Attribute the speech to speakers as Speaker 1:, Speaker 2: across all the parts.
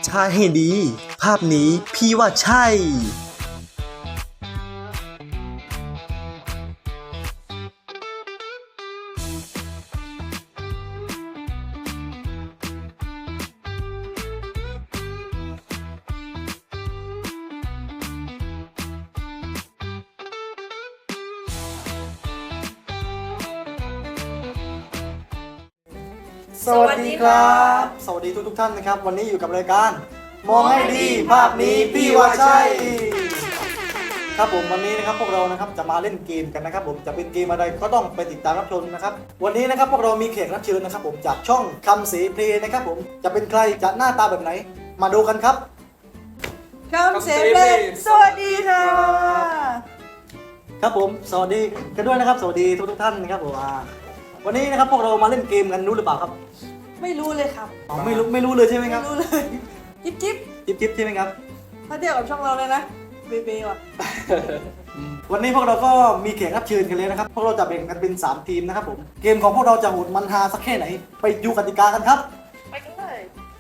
Speaker 1: ทายให้ดี ภาพนี้พี่ว่าใช่
Speaker 2: สวัสดีครับ สวัสดีทุกท่านนะครับ วันนี้อยู่กับรายการมองให้ดีภาพนี้พี่ว่าใช่ครับผมวันนี้นะครับพวกเรานะครับจะมาเล่นเกมกันนะครับผมจะเป็นเกมอะไรก็ต้องไปติดตามรับชมนะครับวันนี้นะครับพวกเรามีแขกรับเชิญนะครับผมจากช่องคำเสเพลย์นะครับผมจะเป็นใครจะหน้าตาแบบไหน มาดูกันครับ
Speaker 3: คำเสเพลงสวัสดีค่ะ
Speaker 2: ครับผมสวัสดีกันด้วยนะครับ สวัสดีทุกท่านนะครับผมวันนี้นะครับพวกเรามาเล่นเกมกันรู้หรือเปล่าครับ
Speaker 3: ไม่รู้เลยครับ
Speaker 2: อ๋อไม่รู้เลยใช่ไหมครับ
Speaker 3: ไม่รู้เลยจิ๊บจิ๊บ
Speaker 2: จิ๊บใช่ไหมครับ
Speaker 3: ถ้าเทียบกับช่องเราเลยนะเบเบว่ะ
Speaker 2: วันนี้พวกเราก็มีแขกรับเชิญกันเลยนะครับ พวกเราจะแบ่งกันเป็น3ทีมนะครับผม เกมของพวกเราจะโหดมันฮาสักแค่ไหน ไปดูกติกากันครับ
Speaker 3: ไปกันเลย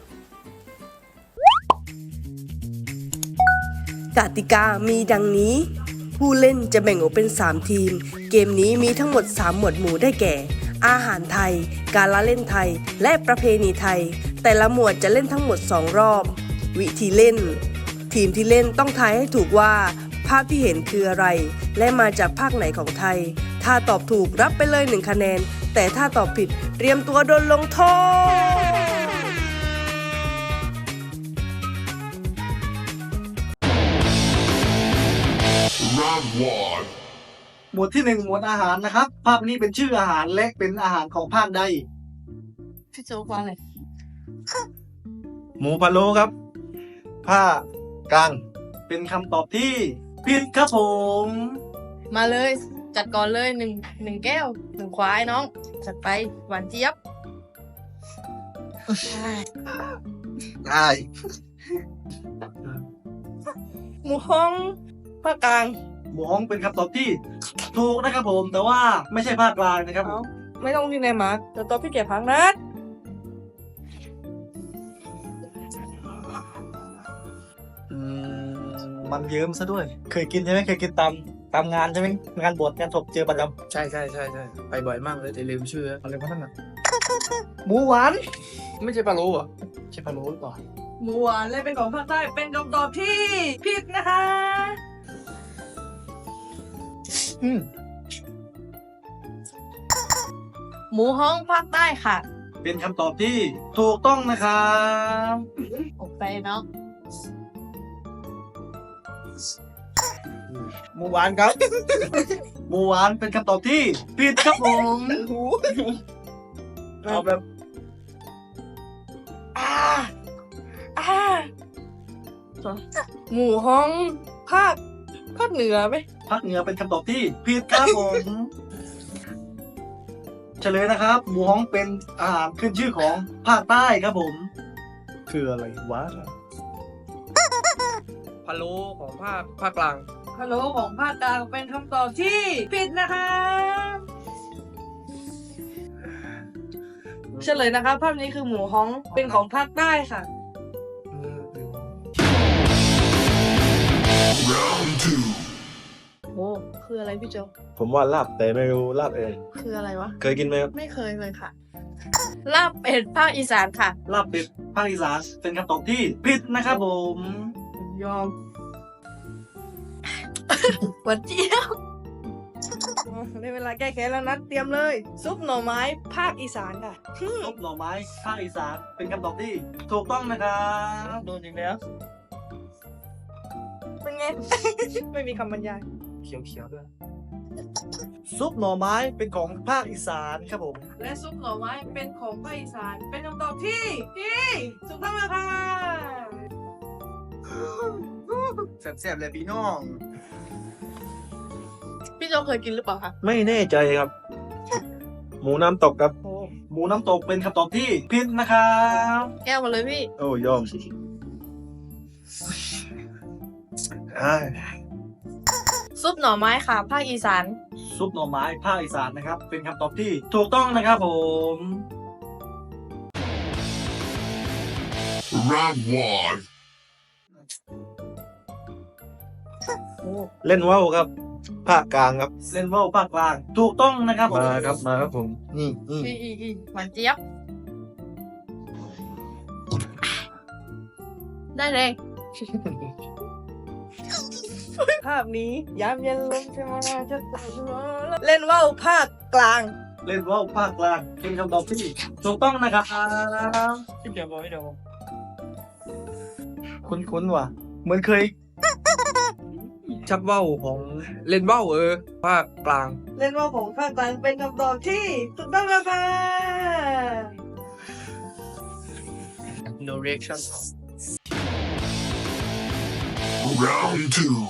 Speaker 4: กติกามีดังนี้ ผู้เล่นจะแบ่งออกเป็น 3 ทีม เกมนี้มีทั้งหมด 3 หมวดหมู่ได้แก่ อาหารไทย การละเล่นไทย และประเพณีไทย แต่ละหมวดจะเล่นทั้งหมด 2 รอบ วิธีเล่น ทีมที่เล่นต้องทายให้ถูกว่า ภาพที่เห็นคืออะไร และมาจากภาคไหนของไทย ถ้าตอบถูกรับไปเลย1คะแนน แต่ถ้าตอบผิดเตรียมตัวโดนลงโทษ
Speaker 2: หมวดที่ 1 หมวดอาหารนะครับ ภาพนี้เป็นชื่ออาหารและเป็นอาหารของภาคใด
Speaker 3: พี่โจ๊กว่าอะไร
Speaker 5: หมูพะโล้ครับ ผ้ากลาง
Speaker 2: เป็นคำตอบที่ผิดครับผม
Speaker 6: มาเลยจัดก่อนเลยหนึ่งแก้ว1ควายน้อง จัดไปหวานเจี๊ยบ
Speaker 5: ได้
Speaker 6: หมูฮ้องภาคกลาง
Speaker 2: หมูฮ้องเป็นคำตอบที่ถูกนะครับผม แต่ว่าไม่ใช่ภาคกลางนะครับผม
Speaker 6: ไม่ต้องที่ไหนมาแต่ตัวพี่เก็บพังนะ
Speaker 2: มันเยิ้มซะด้วย เคยกินใช่ไหมเคยกินตามงานใช่ไหมงานบวชงานศพเจอประจ
Speaker 5: ใช่ไปบ่อยมากเลยแต่ลืมชื่ออะไรพวกนั้นอ่ะ
Speaker 2: ำหมูหวาน
Speaker 5: ไม่ใช่ปลาโล้เหรอใช่ปลาโล้หรือเปล่า
Speaker 3: หมูหวานและเป็นของภาคใต้เป็นคำตอบที่ผิดนะคะ
Speaker 6: หมูฮ้องภาคใต้ค่ะ
Speaker 2: เป็นคำตอบที่ถูกต้องนะครับ
Speaker 6: ออกไปเนาะ
Speaker 5: หมูหวานครับ
Speaker 2: หมูหวานเป็นคำตอบที่ผิดครับผม
Speaker 5: เอาแบบ
Speaker 6: หมูฮ้องภาคเหนือไหม
Speaker 2: ภาคเหนือเป็นคำตอบที่ผิดครับผมเฉลยนะครับ หมูฮ้องเป็นอาหารขึ้นชื่อของภาคใต้ครับผม
Speaker 5: คืออะไรวะพะโล้ของภาคกลาง
Speaker 3: ฮัลโหลของภาคกลางเป็นคำตอบที่ผิดนะคะเฉลยนะคะภาพนี้คือหมูฮ้องเป็นของภาคใต้ค่ะ
Speaker 6: โอ้คืออะไรพี่โจ
Speaker 5: ผมว่าลาบแต่ไม่รู้ลาบเอง
Speaker 6: คืออะไรวะ
Speaker 5: เคยกินไหมครับ
Speaker 6: ไม่เคยเลยค่ะ ลาบเป็ดภาคอีสานค่ะ
Speaker 2: ลาบเป็ดภาคอีสานเป็นคำตอบที่ผิดนะครับผม
Speaker 6: ยอม หวานเจี๊ยบ
Speaker 3: ได้เวลาแก้แค้นแล้วนะเตรียมเลย ซุปหน่อไม้ภาคอีสานค่ะ
Speaker 2: ซุปหน่อไม้ภาคอีสานเป็นคำตอบที่ถูกต้องนะครับโดนอย่างแล้ว
Speaker 3: เป็นไง ไม่มีคำบรรยาย
Speaker 5: เขียวๆด้วย
Speaker 2: ซุปหน่อไม้เป็นของภาคอีสานครับผม
Speaker 3: และซุปหน่อไม้เป็นของภาคอีสานเป็นคำตอบที่ถูกต้องแล้วค่ะ
Speaker 5: แซ่บๆเลยพี่น้อง
Speaker 6: พี่โจเคยกินหรือเปล่าคะ
Speaker 5: ไม่แน่ใจครับ หมูน้ำตกครับ
Speaker 2: หมูน้ำตกเป็นคำตอบที่ผิดนะครับ
Speaker 6: แก้วมาเลยพี่
Speaker 5: โอ้ยอมอ่า
Speaker 6: ซุปหน่อไม้ค่ะ ภาคอีสาน
Speaker 2: ซุปหน่อไม้ภาคอีสานนะครับ เป็นคำตอบที่ถูกต้องนะครับผม
Speaker 7: Round one.
Speaker 5: เล่นว่าวครับ ภาคกลางครับ
Speaker 2: เล่นว่าวภาคกลางถูกต้องนะครับผม
Speaker 5: มาครับผม
Speaker 6: อีหวานเจี๊ยบ ได้เลย
Speaker 3: ภาพนี้ยามเย็นลมจะมาจะตกเล่นว่าวภาคกลาง
Speaker 2: เล่นว่าวภาคกลางเป็นคำตอบที่ถูกต้องนะครับ
Speaker 3: เดี๋ยวบอกเดี๋ยว
Speaker 2: คุ้นๆว่ะเหมือนเคย
Speaker 8: ชักเบ้าของเล่นเบ้าภาคกลาง
Speaker 3: เล่นว่าวของภาคกลางเป็นคำตอบที่ถูกต้องแล้วค่ะ
Speaker 8: no reaction
Speaker 7: Round two.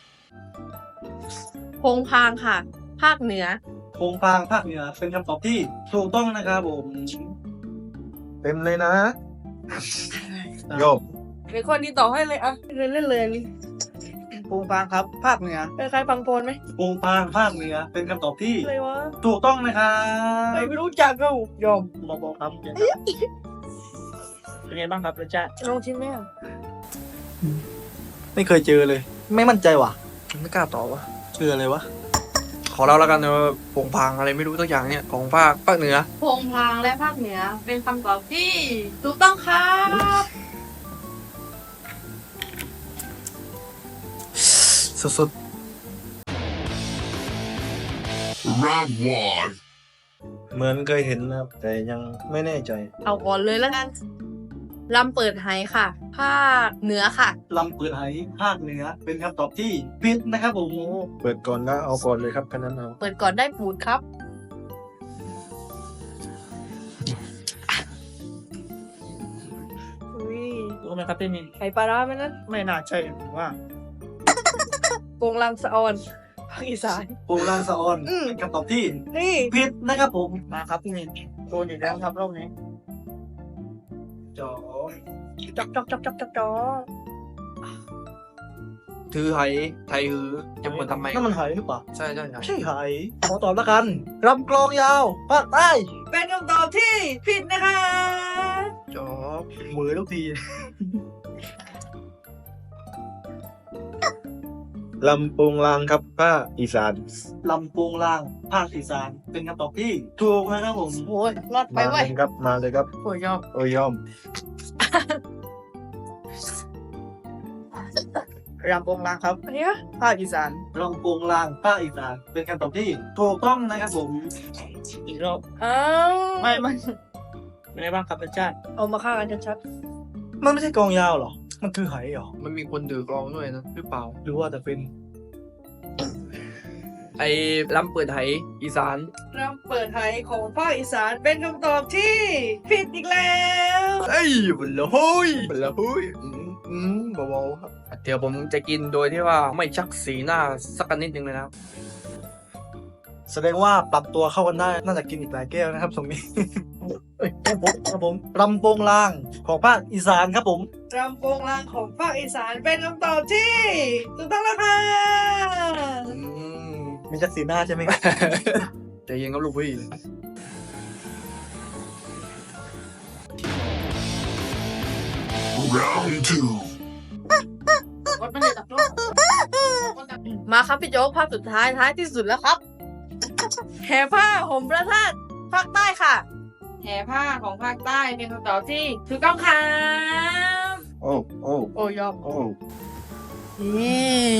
Speaker 6: โพงพางค่ะ ภาคเหนือ
Speaker 2: โคงพางภาคเหนือเป็นคำตอบที่ถูกต้องนะครับผม
Speaker 5: เต็มเลยนะ โยม
Speaker 3: เดี๋ยวคนนี้ต่อให้เลยอ่ะเล่นเลยอันนี้
Speaker 2: โคงพางครับ ภาคเหนือ
Speaker 3: เป็นใครฟังโพนไหม
Speaker 2: โคงพางภาคเหนือเป็นคำตอบที่
Speaker 3: อะไรวะ
Speaker 2: ถูกต้องนะครับ
Speaker 3: ไม่รู้จักเขายอม
Speaker 2: บอกครับ
Speaker 3: เป็นไงบ้างครับรสชาติลองชิมไหมอ่ะ
Speaker 2: ไม่เคยเจอเลย ไม่มั่นใจว่ะ
Speaker 8: ไม่กล้าตอบวะ
Speaker 2: เชื่ออะไรวะ
Speaker 8: ขอเล่าแล้วกันโป่งพางอะไรไม่รู้ตัวอย่างเนี่ยของภาคเหนือ
Speaker 6: โพงพางและภาคเหนือ เป็นคำตอบที่ถูกต้องครับ
Speaker 2: สุด
Speaker 7: Round one.
Speaker 5: เหมือนเคยเห็นนะครับ แต่ยังไม่แน่ใจ
Speaker 6: เอาก่อนเลยแล้วกันลำเปิดไหค่ะ ภาคเหนือค่ะ
Speaker 2: ๆลำเปิดไหภาคเหนือเป็นคำตอบที่ผิดนะครับผม
Speaker 5: เปิดก่อนก็เอาก่อนเลยครับคันนั้นเอา
Speaker 6: เปิดก่อนได้ปูดครับ
Speaker 3: อุ้ย
Speaker 2: รู้ไหมครับพี่มิน
Speaker 3: ไข่ปลาร้าไหมนั้น
Speaker 2: ไม่น่าใช่ผมว่า
Speaker 3: โปงลางสะออนภาคอีสาน
Speaker 2: โปงลางสะออนเป็นคำตอบที่
Speaker 3: นี่
Speaker 2: ผิดนะครับผมมาครับพี่มินโดนอีกแล้วครับรอบนี้จ๋อ
Speaker 3: จอกจอกจอกจอกจอกจอก
Speaker 8: ถือไหไทยหือจะเหมือนทำไม
Speaker 2: นั่นมันไหหรือเปล่า
Speaker 8: ใช่ใช่ใช่
Speaker 2: ไม่ใช่ไหขอตอบแล้วกันรำกลองยาวภาคใต้
Speaker 3: เป็นคำตอบที่ผิดนะคะ
Speaker 2: จอมือทุกที
Speaker 5: ลำโปงลางครับภาคอีสาน
Speaker 2: ลำโพงล่างภาคอีสานเป็นคำตอบที่ถูกนะครับผม
Speaker 6: โอ้ยรอดไป
Speaker 5: มา
Speaker 6: เว้ย
Speaker 5: เลยครับ มาเลยครับ
Speaker 6: โอ้ยยอม
Speaker 5: โอ้ยยอม
Speaker 2: รำโพงล่างครับ
Speaker 3: อันนี้อะ
Speaker 2: ภาคอีสานลำโพงล่างภาคอีสานเป็นคำตอบที่ถูกต้องนะครับผมอีกรอบ
Speaker 3: อ้าว
Speaker 2: ไม่เป็นไงบ้างครับอาจารย์
Speaker 3: เอามาฆ่ากันชัด
Speaker 2: มันไม่ใช่กลองยาวหรอมันคือไหหรอ
Speaker 8: มันมีคนถือกลองด้วยนะหรือเปล่า
Speaker 2: หรือว่าจะเป็น
Speaker 8: ไอ้ลำเปิดไหอีสาน
Speaker 3: ๆรำเปิดไหของภาคอีสานเป็นคำตอบที่ผิดอีกแล้ว
Speaker 8: เอ้ยบัลละฮุยบัลละฮุยเบาๆครับเดี๋ยวผมจะกินโดยที่ว่าไม่ชักสีหน้าสักนิดนึงเลยนะครับ
Speaker 2: แสดงว่าปรับตัวเข้ากันได้น่าจะกินอีกหลายแก้วนะครับตรงนี้ เอ้ยครับผมรำโพงล่างของภาคอีสานครับผม
Speaker 3: รำโปงลางของภาคอีสานเป็นคำตอบที่ถูกต้องแล้วค่ะ
Speaker 2: มีจักสีหน้าใช่ไหมครับ
Speaker 8: ใจเย็นครับลูกพี่
Speaker 7: Round two.
Speaker 6: มาครับพี่โจ๊กภาคสุดท้ายท้ายที่สุดแล้วครับ แห่ผ้าห่มพระธาตุภาคใต้ค่ะ แห่ผ้าของภาคใต้เป็นคำตอบที่ถูกต้องครับ
Speaker 5: โอ้โอ้
Speaker 6: โอ้ยอม
Speaker 5: โอ้
Speaker 6: นี่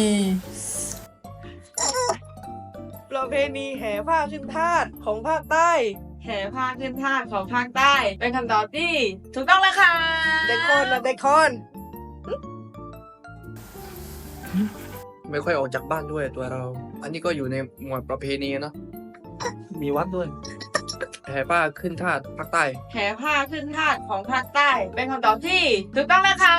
Speaker 3: ประเพณีแห่ผ้าขึ้นทาสของภาคใต้
Speaker 6: แห่ผ้าขึ้นธาตุของภาคใต้ เป็นคำตอบที่ถูกต้องแล้วค่ะ
Speaker 3: เด็กคอนนะเด็กคอน
Speaker 8: ไม่ค่อยออกจากบ้านด้วยตัวเรา อันนี้ก็อยู่ในหมวดประเพณีนะ
Speaker 2: มีวัดด้วย
Speaker 8: แห่ป้าขึ้นทาสภาคใต้
Speaker 6: แห่ผ้าขึ้นธาตุของภาคใต้ เป็นคำตอบที่ถูกต้องแล้วครับ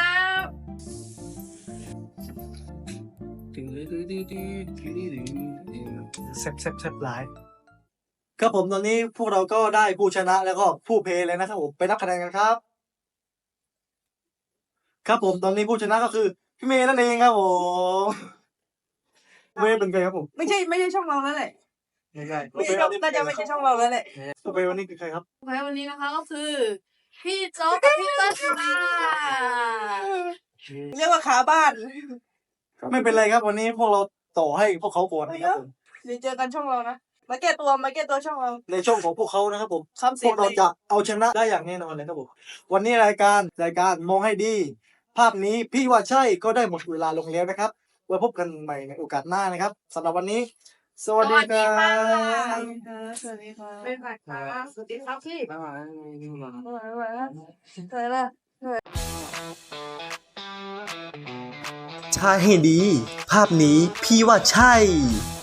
Speaker 2: แซ่บหลายครับผมตอนนี้พวกเราก็ได้ผู้ชนะแล้วก็ผู้เพลย์เลยนะครับผมไปนับคะแนนกันครับ ครับผมตอนนี้ผู้ชนะก็คือพี่เมย์นั่นเองครับผมเมย์เป็นไงครับผม
Speaker 3: ไม่ใช่ช่องเราแล้วแหละ
Speaker 2: ไม่ใช่
Speaker 3: ไม่ใช่ช่องน่าจะไม่ใช่ช่องเราแล้วแหละ
Speaker 2: ตัวเพลย์วันนี้คือใครครับ
Speaker 6: แพ้วันนี้นะคะก็คือพี่โจ๊กกับพี่เติ้ลค่ะ
Speaker 3: เรียกว่าขาบ้าน
Speaker 2: ไม่เป็นไรครับวันนี้พวกเราต่อให้พวกเขาก่อนนะครับผม
Speaker 3: เดี๋ยวเจอกันช่องเรานะ มาแก้ตัวช่องเรา
Speaker 2: ในช่องของพวกเขานะครับผม
Speaker 3: คำ
Speaker 2: พ
Speaker 3: เสี
Speaker 2: วย กเราจะเอาชนะได้อย่างแน่นอนเลยครับผมวันนี้รายการมองให้ดี ภาพนี้พี่ว่าใช่ก็ได้หมดเวลาลงแล้วนะครับไว้พบกันใหม่ในโอกาสหน้านะครับสำหรับวันนี้ สวัสดีครับ
Speaker 3: สวัสดีค่ะ
Speaker 6: เป็นแบบค่ะสวัสดีครับพี่
Speaker 3: อะไรล่ะ
Speaker 1: ใช่ให้ดี ภาพนี้พี่ว่าใช่